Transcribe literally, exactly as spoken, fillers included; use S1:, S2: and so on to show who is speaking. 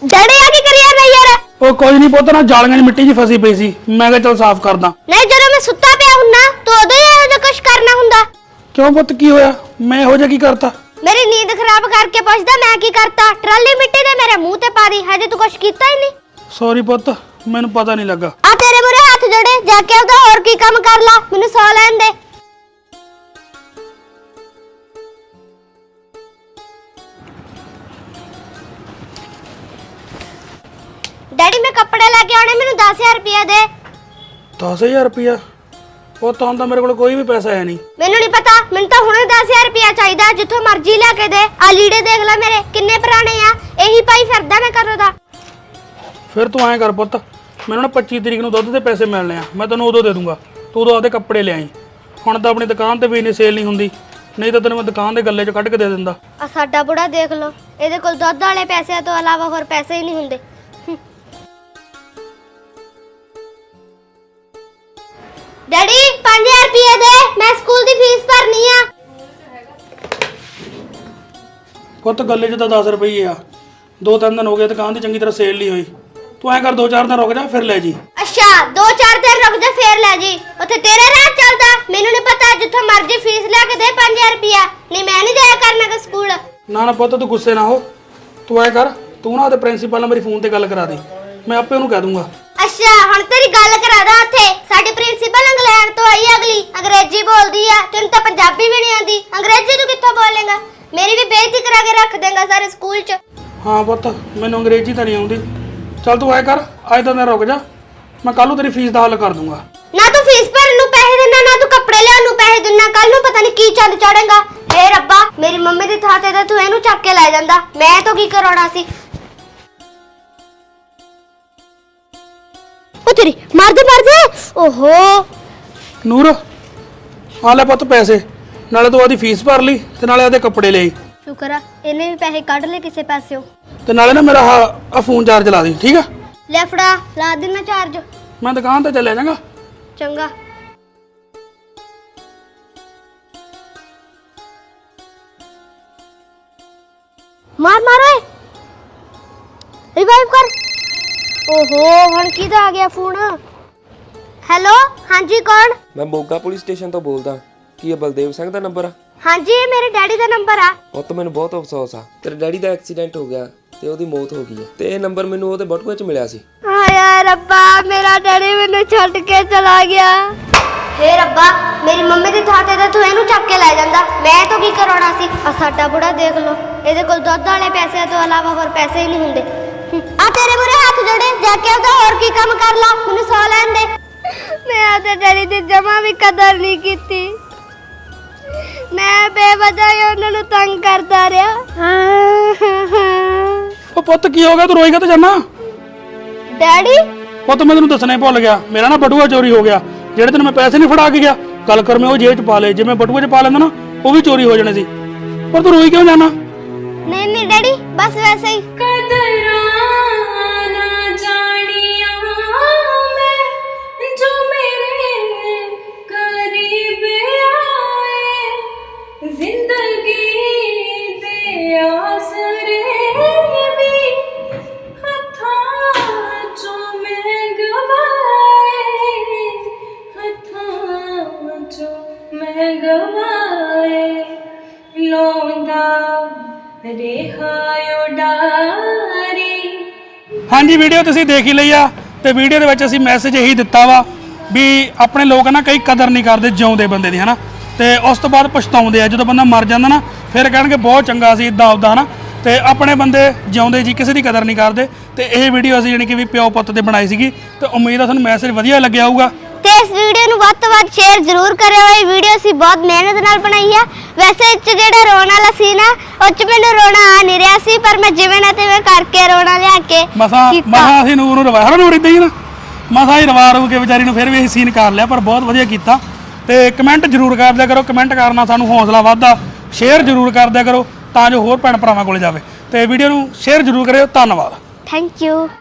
S1: daddy आ की करिया नहीं यार
S2: ओ कोई नहीं पुੱਤ ना ਜਾਲੀਆਂ 'ਚ ਮਿੱਟੀ 'ਚ ਫਸੀ ਪਈ ਸੀ ਮੈਂ ਕਿਹਾ ਚਲ ਸਾਫ਼ ਕਰਦਾ
S1: नहीं ਜਦੋਂ मैं सुत्ता पिया हुन्ना तो उदो ही ਇਹੋ ਜਿਹਾ ਕੁਝ ਕਰਨਾ ਹੁੰਦਾ
S2: ਕਿਉਂ ਪੁੱਤ ਕੀ ਹੋਇਆ ਮੈਂ ਇਹੋ ਜਿਹਾ ਕੀ ਕਰਤਾ
S1: मेरी नींद खराब करके पूछदा मैं की करता ट्राली मिट्टी दे मेरे मुंह ते पा दी हजे तू कुछ कीता ही नहीं
S2: ਸੌਰੀ ਪੁੱਤ ਮੈਨੂੰ ਪਤਾ ਨਹੀਂ ਲੱਗਾ
S1: आ तेरे मुरे हाथ जोड़े जाके ਉਹਦਾ ਹੋਰ ਕੀ ਕੰਮ ਕਰ ਲਾ ਮੈਨੂੰ ਸੌ ਲੈਣ ਦੇ डैडी मैं कपड़े लेके आने मेनू दस हज़ार रुपया दे
S2: दस हज़ार रुपया ਉਹ ਤਾਂ ਹੁੰਦਾ ਮੇਰੇ ਕੋਲ ਕੋਈ ਵੀ ਪੈਸਾ ਹੈ ਨਹੀਂ
S1: ਮੈਨੂੰ ਨਹੀਂ ਪਤਾ ਮੈਨੂੰ ਤਾਂ ਹੁਣੇ दस हज़ार ਰੁਪਇਆ ਚਾਹੀਦਾ ਜਿੱਥੋਂ ਮਰਜ਼ੀ ਲੈ ਕੇ ਦੇ ਆ ਲੀੜੇ ਦੇਖ ਲੈ ਮੇਰੇ ਕਿੰਨੇ ਪੁਰਾਣੇ ਆ ਇਹੀ ਪਾਈ ਫਿਰਦਾ ਮੈਂ ਕਦੋਂ ਦਾ
S2: ਫਿਰ ਤੂੰ ਐਂ ਕਰ ਪੁੱਤ ਮੈਨੂੰ ਨਾ पच्चीस ਤਰੀਕ ਨੂੰ ਦੁੱਧ ਦੇ ਪੈਸੇ ਮਿਲਣੇ ਆ ਮੈਂ ਤੈਨੂੰ ਉਦੋਂ ਦੇ ਦੂੰਗਾ ਤੂੰ ਉਦੋਂ ਆਪਦੇ ਕੱਪੜੇ ਲੈ ਆਈ ਹੁਣ ਤਾਂ ਆਪਣੀ ਦੁਕਾਨ ਤੇ ਵੀ ਇੰਨੀ ਸੇਲ ਨਹੀਂ ਹੁੰਦੀ ਨਹੀਂ ਤਾਂ ਤੈਨੂੰ ਮੈਂ ਦੁਕਾਨ ਦੇ ਗੱਲੇ 'ਚ ਕੱਢ ਕੇ ਦੇ ਦਿੰਦਾ
S1: ਆ ਸਾਡਾ ਬੁੜਾ ਦੇਖ ਲਓ ਇਹਦੇ ਕੋਲ ਦੁੱਧ ਵਾਲੇ ਪੈਸੇ ਤੋਂ ਇਲਾਵਾ ਹੋਰ ਪੈਸੇ ਹੀ ਨਹੀਂ ਹੁੰਦੇ डैडी पाँच हज़ार रुपये दे मैं स्कूल दी फीस भरनी आ
S2: ਪੁੱਤ ਗੱਲੇ 'ਚ ਤਾਂ दस ਰੁਪਏ ਆ ਦੋ ਤਿੰਨ ਦਿਨ ਹੋ ਗਏ ਦੁਕਾਨ ਦੀ ਚੰਗੀ ਤਰ੍ਹਾਂ ਸੇਲ ਨਹੀਂ ਹੋਈ ਤੂੰ ਐਂ ਕਰ ਦੋ ਚਾਰ ਦਿਨ ਰੁਕ ਜਾ ਫਿਰ ਲੈ ਜੀ
S1: अच्छा दो चार दिन रुक जा फिर ले जी उथे तेरे राह चलदा मेनू नहीं पता जिथों मर्जी फीस लेके दे पाँच हज़ार रुपया नहीं मैं नहीं जाया करना के स्कूल
S2: ਨਾ ਨਾ ਪੁੱਤ ਤੂੰ ਗੁੱਸੇ ਨਾ ਹੋ ਤੂੰ ਐਂ ਕਰ ਤੂੰ ਨਾ ਉਹਦੇ ਪ੍ਰਿੰਸੀਪਲ ਨਾਲ ਮੇਰੀ ਫੋਨ ਤੇ ਗੱਲ ਕਰਾ ਦੇ ਮੈਂ ਆਪੇ ਉਹਨੂੰ ਕਹਿ ਦੂੰਗਾ
S1: अच्छा हुण तेरी गल करा दा उथे साडी प्रिंसिपल इंग्लैंड तो आई अगली अंग्रेजी बोलदी है तेन तो पंजाबी भी नहीं आंदी अंग्रेजी तू कित्थों बोलेगा मेरी भी बेइज्जती करा के रख देगा सारे स्कूल च
S2: ਹਾਂ ਪੁੱਤ ਮੈਨੂੰ ਅੰਗਰੇਜ਼ੀ ਤਾਂ ਨਹੀਂ ਆਉਂਦੀ ਚੱਲ ਤੂੰ ਐਂ ਕਰ ਅੱਜ ਤਾਂ ਦਿਨ ਰੁਕ ਜਾ ਮੈਂ ਕੱਲ ਨੂੰ ਤੇਰੀ ਫੀਸ ਦਾ ਹੱਲ ਕਰ ਦੂੰਗਾ
S1: ना तू फीस भरन नूं पैसे देना ना तू कपड़े लेआउण नूं पैसे देना कल नूं पता नहीं की चंद चढ़ेगा हे रब्बा मेरी मम्मी दी थां ते तां तू इहनूं चक के लै जांदा मैं तो की कराउणा सी ओ तेरी मार दे मार दे ओहो
S2: ਨੂਰ ਆ ਲੈ ਪੁੱਤ ਪੈਸੇ ਨਾਲੇ ਤੂੰ ਉਹਦੀ ਫੀਸ ਭਰ ਲਈ ਤੇ ਨਾਲੇ ਉਹਦੇ ਕੱਪੜੇ ਲੈ ਆਈ
S1: शुक्र है इन्हें भी पैसे कढ ले किसे पैसे
S2: ਤੇ ਨਾਲੇ ਨਾ ਮੇਰਾ ਆ ਫੋਨ ਚਾਰਜ ਲਾ ਦੇ ਠੀਕ ਆ
S1: ले फड़ा ला देना चार्ज
S2: ਮੈਂ ਦੁਕਾਨ ਤੇ ਚੱਲਿਆ ਜਾਂਗਾ
S1: चंगा मार मार ओए रिवाइव कर ओहो हण किदा आ गया फोन हेलो हां जी कौन
S3: मैं मोगा पुलिस स्टेशन तो बोलदा की ये बलदेव सिंह दा नंबर आ
S1: हां जी ये मेरे डैडी दा नंबर आ
S3: ਉਹ ਤਾਂ ਮੈਨੂੰ ਬਹੁਤ ਅਫਸੋਸ ਆ ਤੇਰੇ ਡੈਡੀ ਦਾ ਐਕਸੀਡੈਂਟ ਹੋ ਗਿਆ ਤੇ ਉਹਦੀ ਮੌਤ ਹੋ ਗਈ ਹੈ ਤੇ ਇਹ ਨੰਬਰ ਮੈਨੂੰ ਉਹਦੇ ਬਟੂਏ 'ਚ ਮਿਲਿਆ ਸੀ
S1: हाय रब्बा मेरा डैडी मैनू छड्ड के चला गया हे रब्बा मेरी मम्मी दी थां ते तू इहनू चक के लै जांदा मैं तो की कराउणा सी आ साडा बुढ़ा देख लो ਇਹਦੇ ਕੋਲ ਦੁੱਧ ਵਾਲੇ ਪੈਸੇ ਤੋਂ ਇਲਾਵਾ ਹੋਰ ਪੈਸੇ ਹੀ ਨਹੀਂ ਹੁੰਦੇ ਆ ਤੇਰੇ ਮੂਰੇ ਹੱਥ ਜੋੜੇ ਜਾ ਕੇ ਉਹਦਾ ਹੋਰ ਕੀ ਕੰਮ ਕਰ ਲਾ ਮੈਨੂੰ ਸੌ ਲੈਣ ਦੇ ਮੈਂ ਆਦੇ ਡੈਡੀ ਦੀ ਜਮਾ ਵੀ ਕਦਰ ਨਹੀਂ ਕੀਤੀ ਮੈਂ ਬੇਵਜ੍ਹਾ ਹੀ ਉਹਨਾਂ ਨੂੰ ਤੰਗ ਕਰਦਾ ਰਿਹਾ
S2: ਉਹ ਪੁੱਤ ਕੀ ਹੋ ਗਿਆ ਤੂੰ ਰੋਈ ਕਾ ਤੇ ਜਾਨਾ
S1: ਡੈਡੀ
S2: ਪੁੱਤ ਮੈਂ ਤੈਨੂੰ ਦੱਸਣਾ ਹੀ ਭੁੱਲ ਗਿਆ ਮੇਰਾ ਨਾ ਬਟੂਆ ਚੋਰੀ ਹੋ ਗਿਆ ਜਿਹੜੇ ਤੈਨੂੰ ਮੈਂ ਪੈਸੇ ਨਹੀਂ ਫੜਾ ਕੇ ਗਿਆ ਗੱਲ ਕਰ ਮੈਂ ਉਹ ਜੇਬ 'ਚ ਪਾ ਲਏ ਜੇ ਮੈਂ ਬਟੂਏ 'ਚ ਪਾ ਲੈਂਦਾ ਨਾ ਉਹ ਵੀ ਚੋਰੀ ਹੋ ਜਾਣੇ ਸੀ ਪਰ ਤੂੰ ਰੋਈ ਕਿਉਂ ਜਾਨਾ
S1: नहीं नहीं डैडी बस वैसे ही
S4: कदरां ना जानिया मैं जो मेरे करीब आए जिंदगी दे आसरे भी हथां चों मैं गवाए हथां चों मैं गवाए लौंदा
S2: ਹਾਂਜੀ ਵੀਡੀਓ ਤੁਸੀਂ ਦੇਖ ਹੀ ਲਈ ਆ ਤੇ ਵੀਡੀਓ ਦੇ ਵਿੱਚ ਅਸੀਂ ਮੈਸੇਜ ਇਹੀ ਦਿੱਤਾ ਵਾ ਵੀ ਆਪਣੇ ਲੋਕ ਨਾ ਕਈ ਕਦਰ ਨਹੀਂ ਕਰਦੇ ਜਿਉਂਦੇ ਬੰਦੇ ਦੀ ਹਨਾ ਤੇ ਉਸ ਤੋਂ ਬਾਅਦ ਪਛਤਾਉਂਦੇ ਆ ਜਦੋਂ ਬੰਦਾ ਮਰ ਜਾਂਦਾ ਨਾ ਫਿਰ ਕਹਿਣਗੇ ਬਹੁਤ ਚੰਗਾ ਸੀ ਇਦਾਂ ਉਦਾਂ ਹਨਾ ਤੇ ਆਪਣੇ ਬੰਦੇ ਜਿਉਂਦੇ ਜੀ ਕਿਸੇ ਦੀ ਕਦਰ ਨਹੀਂ ਕਰਦੇ ਤੇ ਇਹ ਵੀਡੀਓ ਅਸੀਂ ਜਾਨੀ ਕਿ ਵੀ ਪਿਓ ਪੁੱਤ ਤੇ ਬਣਾਈ ਸੀਗੀ ਤੇ ਉਮੀਦ ਆ ਤੁਹਾਨੂੰ ਮੈਸੇਜ ਵਧੀਆ ਲੱਗਿਆ ਹੋਊਗਾ
S1: ਤੇ ਇਸ ਵੀਡੀਓ ਨੂੰ ਵੱਧ ਤੋਂ ਵੱਧ ਸ਼ੇਅਰ ਜ਼ਰੂਰ ਕਰਿਓ ਇਹ ਵੀਡੀਓ ਅਸੀਂ ਬਹੁਤ ਮਿਹਨਤ ਨਾਲ ਬਣਾਈ ਆ ਵੈਸੇ ਇਹ 'ਚ ਜਿਹੜਾ ਰੋਣ ਵਾਲਾ ਸੀ ਨਾ ਉਹ 'ਚ ਮੈਨੂੰ ਰੋਣਾ ਆ ਨਹੀਂ ਰਿਹਾ ਸੀ ਪਰ ਮੈਂ ਜਿਵੇਂ ਨਾ ਤਿਵੇਂ ਕਰਕੇ ਰੋਣਾ ਲਿਆ ਕੇ
S2: ਮਸਾ ਮਸਾ ਅਸੀਂ ਨੂਰ ਨੂੰ ਰਵਾਇਆ ਨੂਰ ਇਦਾਂ ਹੀ ਨਾ ਮਸਾ ਹੀ ਰਵਾ ਰੂ ਕੇ ਵਿਚਾਰੀ ਨੂੰ ਫਿਰ ਵੀ ਅਸੀਂ ਸੀਨ ਕਰ ਲਿਆ ਪਰ ਬਹੁਤ ਵਧੀਆ ਕੀਤਾ ਤੇ ਕਮੈਂਟ ਜ਼ਰੂਰ ਕਰ ਦਿਆ ਕਰੋ ਕਮੈਂਟ ਕਰਨਾ ਸਾਨੂੰ ਹੌਸਲਾ ਵੱਧਦਾ ਸ਼ੇਅਰ ਜ਼ਰੂਰ ਕਰ ਦਿਆ ਕਰੋ ਤਾਂ ਜੋ ਹੋਰ ਭੈਣ ਭਰਾਵਾਂ ਕੋਲ ਜਾਵੇ ਤੇ ਵੀਡੀਓ ਨੂੰ ਸ਼ੇਅਰ ਜ਼ਰੂਰ ਕਰਿਓ ਧੰਨਵਾਦ
S1: ਥੈਂਕ ਯੂ